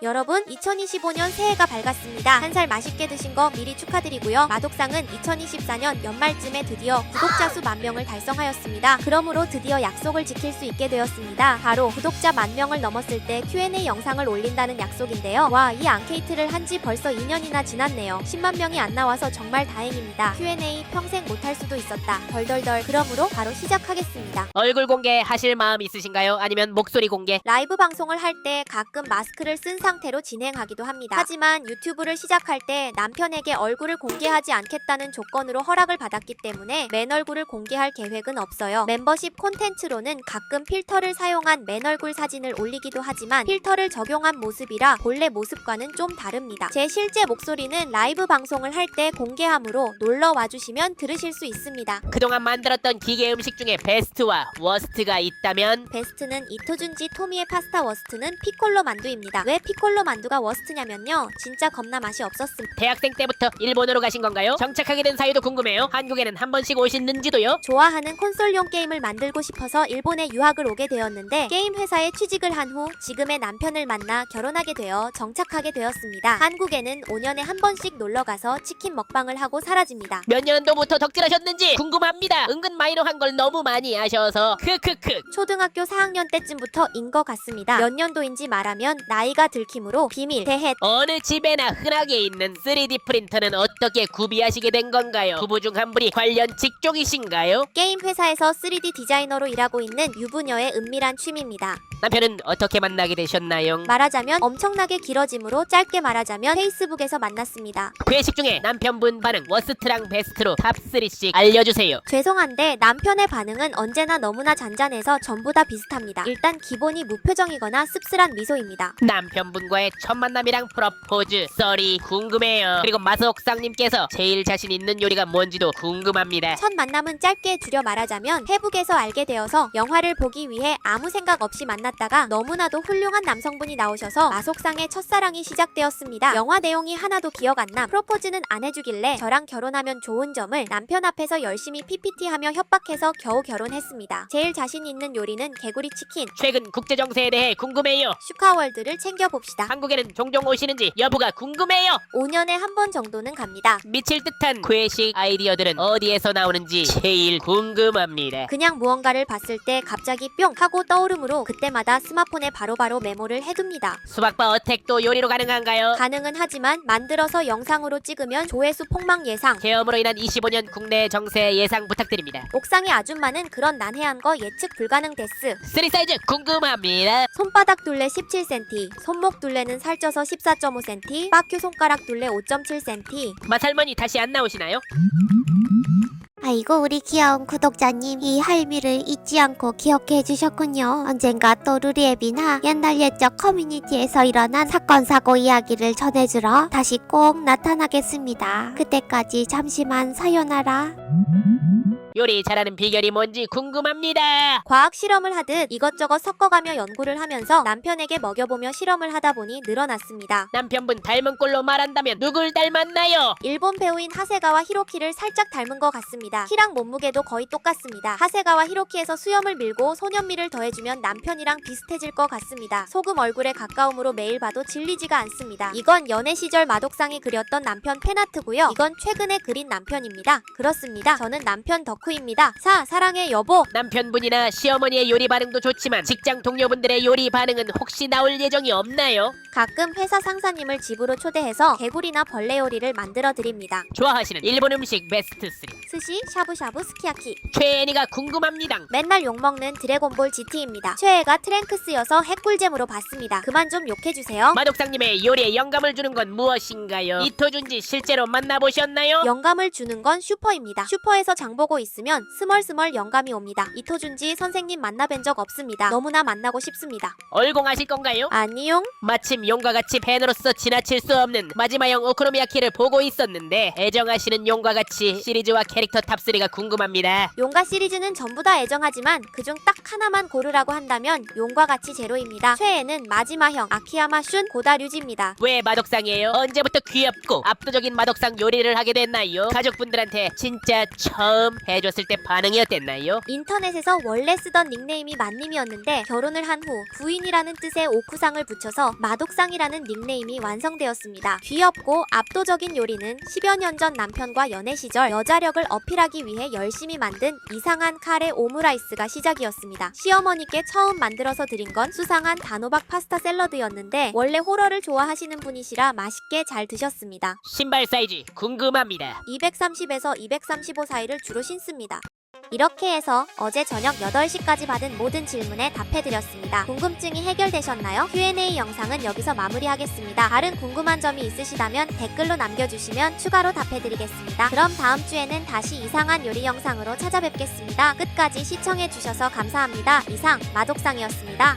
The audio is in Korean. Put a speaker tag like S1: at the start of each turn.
S1: 여러분 2025년 새해가 밝았습니다. 한 살 맛있게 드신 거 미리 축하드리고요. 마독상은 2024년 연말쯤에 드디어 구독자 수 10,000명을 달성하였습니다. 그러므로 드디어 약속을 지킬 수 있게 되었습니다. 바로 구독자 10,000명을 넘었을 때 Q&A 영상을 올린다는 약속인데요. 와, 이 앙케이트를 한 지 벌써 2년이나 지났네요. 10만 명이 안 나와서 정말 다행입니다. Q&A 평생 못할 수도 있었다. 덜덜덜. 그러므로 바로 시작하겠습니다.
S2: 얼굴 공개하실 마음 있으신가요? 아니면 목소리 공개?
S1: 라이브 방송을 할 때 가끔 마스크를 쓴 상태로 진행하기도 합니다. 하지만 유튜브를 시작할 때 남편에게 얼굴을 공개하지 않겠다는 조건으로 허락을 받았기 때문에 맨 얼굴을 공개할 계획은 없어요. 멤버십 콘텐츠로는 가끔 필터를 사용한 맨 얼굴 사진을 올리기도 하지만 필터를 적용한 모습이라 본래 모습과는 좀 다릅니다. 제 실제 목소리는 라이브 방송을 할 때 공개하므로 놀러 와주시면 들으실 수 있습니다.
S2: 그동안 만들었던 기계 음식 중에 베스트와 워스트가 있다면?
S1: 베스트는 이토준지 토미의 파스타, 워스트는 피콜로 만두입니다. 왜 피콜로 만두가 워스트냐면요, 진짜 겁나 맛이 없었음.
S2: 대학생 때부터 일본으로 가신 건가요? 정착하게 된 사유도 궁금해요. 한국에는 한 번씩 오셨는지도요?
S1: 좋아하는 콘솔용 게임을 만들고 싶어서 일본에 유학을 오게 되었는데 게임 회사에 취직을 한 후 지금의 남편을 만나 결혼하게 되어 정착하게 되었습니다. 한국에는 5년에 한 번씩 놀러가서 치킨 먹방을 하고 사라집니다.
S2: 몇 년도부터 덕질하셨는지 궁금합니다. 은근 마이너한 걸 너무 많이 아셔서 크크크.
S1: 초등학교 4학년 때쯤부터 인 것 같습니다. 몇 년도인지 말하면 나이가 들킴으로 비밀, 대해.
S2: 어느 집에나 흔하게 있는 3D 프린터는 어떻게 구비하시게 된 건가요? 부부 중 한 분이 관련 직종이신가요?
S1: 게임 회사에서 3D 디자이너로 일하고 있는 유부녀의 은밀한 취미입니다.
S2: 남편은 어떻게 만나게 되셨나요?
S1: 말하자면 엄청나게 길어지므로 짧게 말하자면 페이스북에서 만났습니다.
S2: 회식 중에 남편분 반응 워스트랑 베스트로 탑3씩 알려주세요.
S1: 죄송한데 남편의 반응은 언제나 너무나 잔잔해서 전부 다 비슷합니다. 일단 기본이 무표정이거나 씁쓸한 미소입니다.
S2: 남편분과의 첫 만남이랑 프러포즈 썰이 궁금해요. 그리고 마석상님께서 제일 자신 있는 요리가 뭔지도 궁금합니다.
S1: 첫 만남은 짧게 줄여 말하자면 페북에서 알게 되어서 영화를 보기 위해 아무 생각 없이 만났다가 너무나도 훌륭한 남성분이 나오셔서 마속상의 첫사랑이 시작되었습니다. 영화 내용이 하나도 기억 안 남. 프로포즈는 안 해주길래 저랑 결혼하면 좋은 점을 남편 앞에서 열심히 PPT하며 협박해서 겨우 결혼했습니다. 제일 자신 있는 요리는 개구리 치킨.
S2: 최근 국제정세에 대해 궁금해요.
S1: 슈카월드를 챙겨봅시다.
S2: 한국에는 종종 오시는지 여부가 궁금해요.
S1: 5년에 한 번 정도는 갑니다.
S2: 미칠 듯한 괴식 아이디어들은 어디에서 나오는지 제일 궁금합니다.
S1: 그냥 무언가를 봤을 때 갑자기 뿅 하고 떠오르므로 그때마다 스마폰에 바로바로 메모를 해둡니다.
S2: 수박바 어택도 요리로 가능한가요?
S1: 가능은 하지만 만들어서 영상으로 찍으면 조회수 폭망 예상.
S2: 계엄으로 인한 25년 국내 정세 예상 부탁드립니다.
S1: 옥상의 아줌마는 그런 난해한 거 예측 불가능 데스.
S2: 3 사이즈 궁금합니다.
S1: 손바닥 둘레 17cm, 손목 둘레는 살쪄서 14.5cm, 빠큐 손가락 둘레 5.7cm.
S2: 마살머니 다시 안 나오시나요?
S3: 아이고 우리 귀여운 구독자님 이 할미를 잊지 않고 기억해 주셨군요. 언젠가 또 루리앱이나 옛날 옛적 커뮤니티에서 일어난 사건 사고 이야기를 전해주러 다시 꼭 나타나겠습니다. 그때까지 잠시만 사요나라.
S2: 요리 잘하는 비결이 뭔지 궁금합니다.
S1: 과학 실험을 하듯 이것저것 섞어가며 연구를 하면서 남편에게 먹여보며 실험을 하다 보니 늘어났습니다.
S2: 남편분 닮은 꼴로 말한다면 누굴 닮았나요?
S1: 일본 배우인 하세가와 히로키를 살짝 닮은 것 같습니다. 키랑 몸무게도 거의 똑같습니다. 하세가와 히로키에서 수염을 밀고 소년미를 더해주면 남편이랑 비슷해질 것 같습니다. 소금 얼굴에 가까움으로 매일 봐도 질리지가 않습니다. 이건 연애 시절 마독상이 그렸던 남편 팬아트고요. 이건 최근에 그린 남편입니다. 그렇습니다. 저는 남편 덕후입니다. 사랑해 여보.
S2: 남편분이나 시어머니의 요리 반응도 좋지만 직장 동료분들의 요리 반응은 혹시 나올 예정이 없나요?
S1: 가끔 회사 상사님을 집으로 초대해서 개구리나 벌레 요리를 만들어 드립니다.
S2: 좋아하시는 일본 음식 베스트 3
S1: 스시, 샤브샤브, 스키야키.
S2: 최애니가 궁금합니다.
S1: 맨날 욕먹는 드래곤볼 GT입니다. 최애가 트랭크스여서 핵꿀잼으로 봤습니다. 그만 좀 욕해주세요.
S2: 마독상님의 요리에 영감을 주는 건 무엇인가요? 이토준지 실제로 만나보셨나요?
S1: 영감을 주는 건 슈퍼입니다. 슈퍼에서 장보고 있으면 스멀스멀 영감이 옵니다. 이토준지 선생님 만나뵌 적 없습니다. 너무나 만나고 싶습니다.
S2: 얼공하실 건가요?
S1: 아니용?
S2: 마침 용과 같이 팬으로서 지나칠 수 없는 마지막형 오코노미야키를 보고 있었는데 애정하시는 용과 같이 시리즈와 캐릭터 탑3가 궁금합니다.
S1: 용가 시리즈는 전부 다 애정하지만 그중 딱 하나만 고르라고 한다면 용과 같이 제로입니다. 최애는 마지막형 아키야마 슌 고다류지입니다.
S2: 왜 마독상이에요? 언제부터 귀엽고 압도적인 마독상 요리를 하게 됐나요? 가족분들한테 진짜 처음 소개해줬을 때 반응이 어땠나요?
S1: 인터넷에서 원래 쓰던 닉네임이 만님이었는데 결혼을 한 후 부인이라는 뜻의 오쿠상을 붙여서 마독상이라는 닉네임이 완성되었습니다. 귀엽고 압도적인 요리는 10여 년 전 남편과 연애 시절 여자력을 어필하기 위해 열심히 만든 이상한 카레 오므라이스가 시작이었습니다. 시어머니께 처음 만들어서 드린 건 수상한 단호박 파스타 샐러드였는데 원래 호러를 좋아하시는 분이시라 맛있게 잘 드셨습니다.
S2: 신발 사이즈 궁금합니다.
S1: 230에서 235 사이를 주로 신습니다. 이렇게 해서 어제 저녁 8시까지 받은 모든 질문에 답해드렸습니다. 궁금증이 해결되셨나요? Q&A 영상은 여기서 마무리하겠습니다. 다른 궁금한 점이 있으시다면 댓글로 남겨주시면 추가로 답해드리겠습니다. 그럼 다음 주에는 다시 이상한 요리 영상으로 찾아뵙겠습니다. 끝까지 시청해주셔서 감사합니다. 이상 마독상이었습니다.